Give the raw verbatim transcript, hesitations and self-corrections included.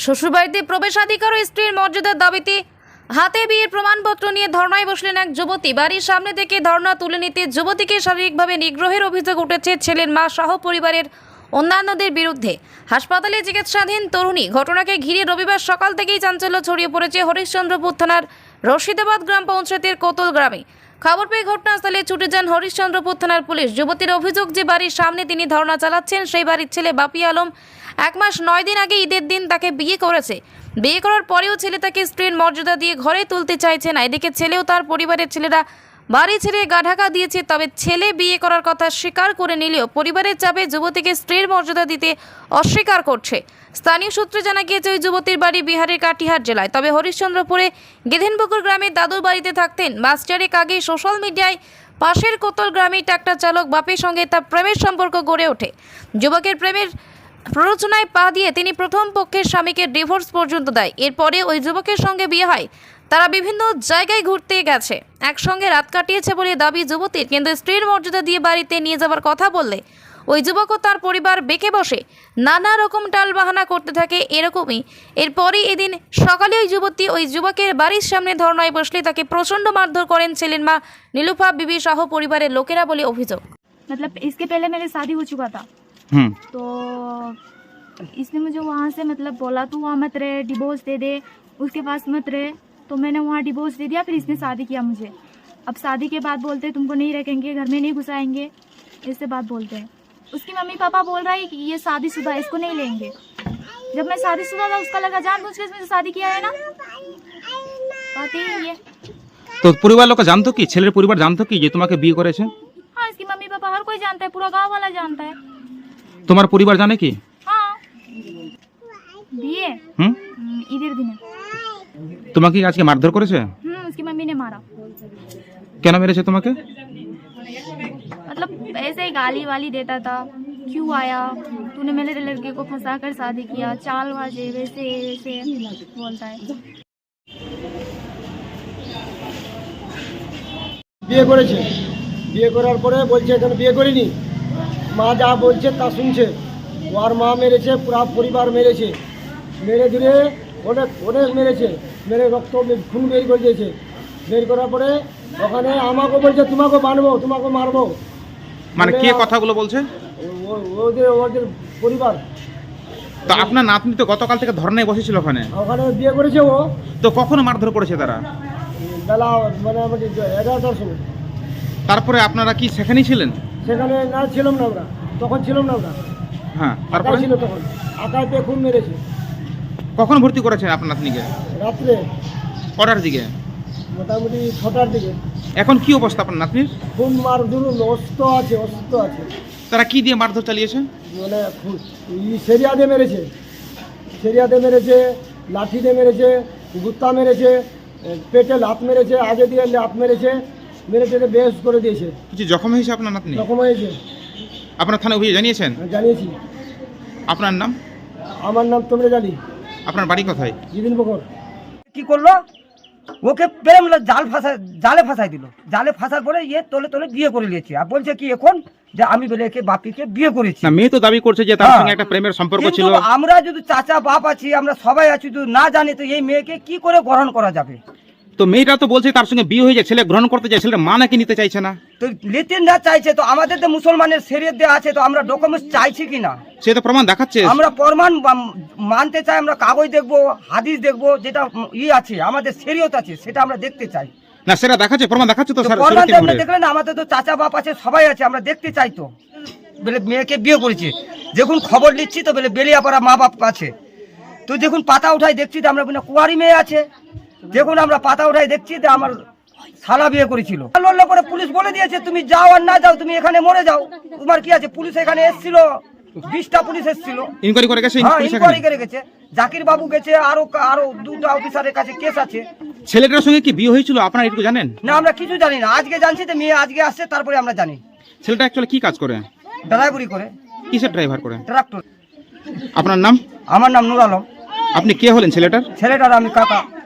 শ্বশুরবাড়িতে প্রবেশাধিকার ও স্ত্রীর মর্যাদার দাবিতে হাতে বিয়ের প্রমাণপত্র নিয়ে ধর্নায় বসলেন এক যুবতী। বাড়ির সামনে থেকে ধর্না তুলে নিতে যুবতীকে শারীরিকভাবে নিগ্রহের অভিযোগ উঠেছে ছেলের মা সহ পরিবারের অন্যান্যদের বিরুদ্ধে। হাসপাতালে চিকিৎসাধীন তরুণী ঘটনাকে ঘিরে রবিবার সকাল থেকেই চাঞ্চল্য ছড়িয়ে পড়েছে হরিশ্চন্দ্রপুর থানার রশিদাবাদ গ্রাম পঞ্চায়েতের কোতল গ্রামে। খবর পেয়ে ঘটনাস্থলে ছুটে যান হরিশ্চন্দ্রপুর থানার পুলিশ। যুবতীর অভিযোগ যে বাড়ির সামনে তিনি ধর্না চালাচ্ছেন সেই বাড়ির ছেলে বাপি আলম এক মাস নয় দিন আগে ঈদের দিন তাকে বিয়ে করেছে। বিয়ে করার পরেও ছেলে তাকে স্ত্রীর মর্যাদা দিয়ে ঘরে তুলতে চাইছে না। এদিকে ছেলেও তার পরিবারের ছেলেরা বাড়ি ছেড়ে গা ঢাকা দিয়েছে। তবে ছেলে বিয়ে করার কথা স্বীকার করে নিলেও পরিবারের চাপে যুবতীকে স্ত্রীর মর্যাদা দিতে অস্বীকার করছে। স্থানীয় সূত্রে জানা গিয়েছে ওই যুবতীর বাড়ি বিহারের কাটিহার জেলায়। তবে হরিশ্চন্দ্রপুরে গেধেনপুকুর গ্রামে দাদুর বাড়িতে থাকতেন। মাস চারেক আগে সোশ্যাল মিডিয়ায় পাশের কোতল গ্রামে ট্রাক্টর চালক বাপের সঙ্গে তার প্রেমের সম্পর্ক গড়ে ওঠে। যুবকের প্রেমের প্ররোচনায় পা দিয়ে তিনি প্রথম পক্ষের স্বামীকে ডিভোর্স পর্যন্ত দেয়। এরপরে ওই যুবকের সঙ্গে বিয়ে হয়। তারা বিভিন্ন জায়গায় ঘুরতে গেছে, একসঙ্গে রাত কাটিয়েছে বলে দাবি যুবতীর। কিন্তু স্ত্রীর মর্যাদা দিয়ে বাড়িতে নিয়ে যাওয়ার কথা বললে ওই যুবক ও তার পরিবার বেঁকে বসে নানা রকম টালবাহানা করতে থাকে। এরকমই এরপরই এদিন সকালে ওই যুবতী ওই যুবকের বাড়ির সামনে ধর্নায় বসলে তাকে প্রচণ্ড মারধর করেন ছেলের মা নীলুফা বিবি সহ পরিবারের লোকেরা বলে অভিযোগ। मतलब इसके पहले मेरी शादी हो चुका था, तो इसने मुझे वहाँ से मतलब बोला तू वहाँ मत रहे, डिवोर्स दे दे, उसके पास मत रहे। तो मैंने वहाँ डिवोर्स दे दिया। फिर इसने शादी किया मुझे। अब शादी के बाद बोलते तुमको नहीं रखेंगे, घर में नहीं घुसाएंगे, ऐसे बात बोलते हैं। उसकी मम्मी पापा बोल रहा है कि ये शादीशुदा है, इसको नहीं लेंगे। जब मैं शादीशुदा था उसका लगा जानबूझ के इसमें शादी किया है ना, बात यही है। তো পরিবার লোক জানতো কি, ছেলের পরিবার জানতো কি যে তোমাকে বিয়ে করেছে? हाँ, इसकी मम्मी पापा हर कोई जानता है, पूरा गांव वाला जानता है। তোমার পরিবার জানে কি? हाँ, दिए হুম ঈদের দিনে তোমাকে কি আজকে মারধর করেছে? हम्म उसकी मम्मी ने मारा। কেন মেরেছে তোমাকে? मतलब ऐसे ही गाली वाली देता था, क्यों आया तूने मेरे लड़के को फंसा कर शादी किया, चाल बाजे वैसे वैसे बोलता है। বিয়ে করেছে, বিয়ে করার পরে বলছে এখানে বিয়ে করিনি, মা যা বলছে তা শুনছে। ওর মা মেরেছে, পুরা পরিবার মেরেছে, মেরে ধরে অনেক অনেক মেরেছে, মেরে রক্ত খুন বের করে দিয়েছে। বের করার পরে ওখানে আমাকে বলছে তোমাকে মারবো, তোমাকে মারবো। মানে কে কথাগুলো বলছে? ও- ওদের ওদের পরিবার। তো আপনার নাতনি তো গতকাল থেকে ধর্নায় বসেছিল ওখানে, ওখানে বিয়ে করেছে ও তো কখনো মারধর করেছে তারা? বেলা মোটামুটি এগারোটার সময়। তারপরে আপনারা কি সেখানেই ছিলেন? সেখানে না ছিলাম না আমরা, তখন ছিলাম না আমরা, হ্যাঁ। আকাই তারপরে ছিল তখন, আকাই পেয়ে খুন মেরেছে কখন ভর্তি করেছেন আপনার নাতনিকে? রাত্রে কটার দিকে? মোটামুটি ছটার দিকে। এখন কি অবস্থা আপনার নাতনির? খুন মার ধরুন অস্ত্র আছে, অস্ত্র আছে, তারা কি দিয়ে মারধর চালিয়েছে? মানে খুন ই সেরিয়া দিয়ে মেরেছে, সেরিয়া দিয়ে মেরেছে, লাঠি দিয়ে মেরেছে, গুত্তা মেরেছে, পেটে লাত মেরেছে, আগে দিয়ে লাত মেরেছে, মেরে টেরে বেশ করে দিয়েছে। কিছু জখম হয়েছে আপনার নাতনি? রকম হয়েছে, আপনার থানা অভিযোগ জানিয়েছেন? জানিয়েছি। আপনার নাম? আমার নাম তোমরা জানি, আপনার বাড়ি কোথায়? জিদিন বকর। কি করলো, ওকে প্রেম জাল ফাঁসা জালে ফাঁসাই দিল। জালে ফাঁসার পরে ইয়ে তোলে তোলে বিয়ে করে নিয়েছে। আর বলছে কি এখন যে আমি বলে একে বাপিকে বিয়ে করেছি। না, মেয়ে তো দাবি করছে যে তার হ্যাঁ। সঙ্গে একটা প্রেমের সম্পর্ক ছিল। কিন্তু আমরা যদি চাচা বাপ আছি, আমরা সবাই আছি, যদি না জানি তো এই মেয়েকে কি করে গ্রহণ করা যাবে? তো মেয়েটা তো বলছে তার সঙ্গে বিয়ে হয়ে যায়, ছেলে গ্রহণ করতে চায়, ছেলের মা নাকি নিতে চাইছে না। তো লিতিন না চাইছে, তো আমাদের তো মুসলমানের শরীয়ত দেয়া আছে, তো আমরা ডকুমেন্টস চাইছি কি না? সে তো প্রমাণ দেখাচ্ছে। আমরা প্রমাণ বা- মানতে চাই, আমরা কাগজ দেখবো, হাদিস দেখবো, যেটা ই আছে আমাদের শরীয়ত আছে সেটা আমরা দেখতে চাই। না, সেটা দেখাচ্ছে, প্রমাণ দেখাচ্ছে তো তো স্যার। প্রমাণ শরীয়তে তো আমরা ঘুরে। দেখলেন, আমাদের তো চাচা বাপ আছে, সবাই আছে, আমরা দেখতে চাই। তো বলে মেয়েকে বিয়ে করেছে, যখন খবর নিচ্ছি তো বলে বেলিয়াপাড়া মা বাপ আছে, তো যখন পাতা উঠাই দেখছি তো আমরা বলি কুয়ারি মেয়ে আছে, যখন আমরা পাতা উঠাই দেখছি তো আমার শালা বিয়ে করেছিল। লড়লে পরে পুলিশ বলে দিয়েছে তুমি যাও আর না যাও, তুমি এখানে মরে যাও, তোমার কি আছে? পুলিশ এখানে এসেছিল, বিশটা পুলিশ এসেছিল, ইনকোয়ারি করে গেছে। হ্যাঁ পুলিশ ইনকোয়ারি এখানে। করে গেছে, জাকির বাবু গেছে, আরো আরো দুটো অফিসারের কাছে কেস আছে। ছেলেটার সঙ্গে কি বিয়ে হয়েছিল আপনারা একটু জানেন? না, আমরা কিছু জানি না, আজকে জানছি তো মেয়ে আজকে আসছে, তারপরে আমরা জানি। ছেলেটা অ্যাকচুয়ালি কি কাজ করে? ড্রাইভারি করে, কিসের ড্রাইভার করে? ট্রাক্টর। আপনার নাম? আমার নাম নুর আলম। আপনি কে হলেন ছেলেটার? ছেলেটার আমি কাকা।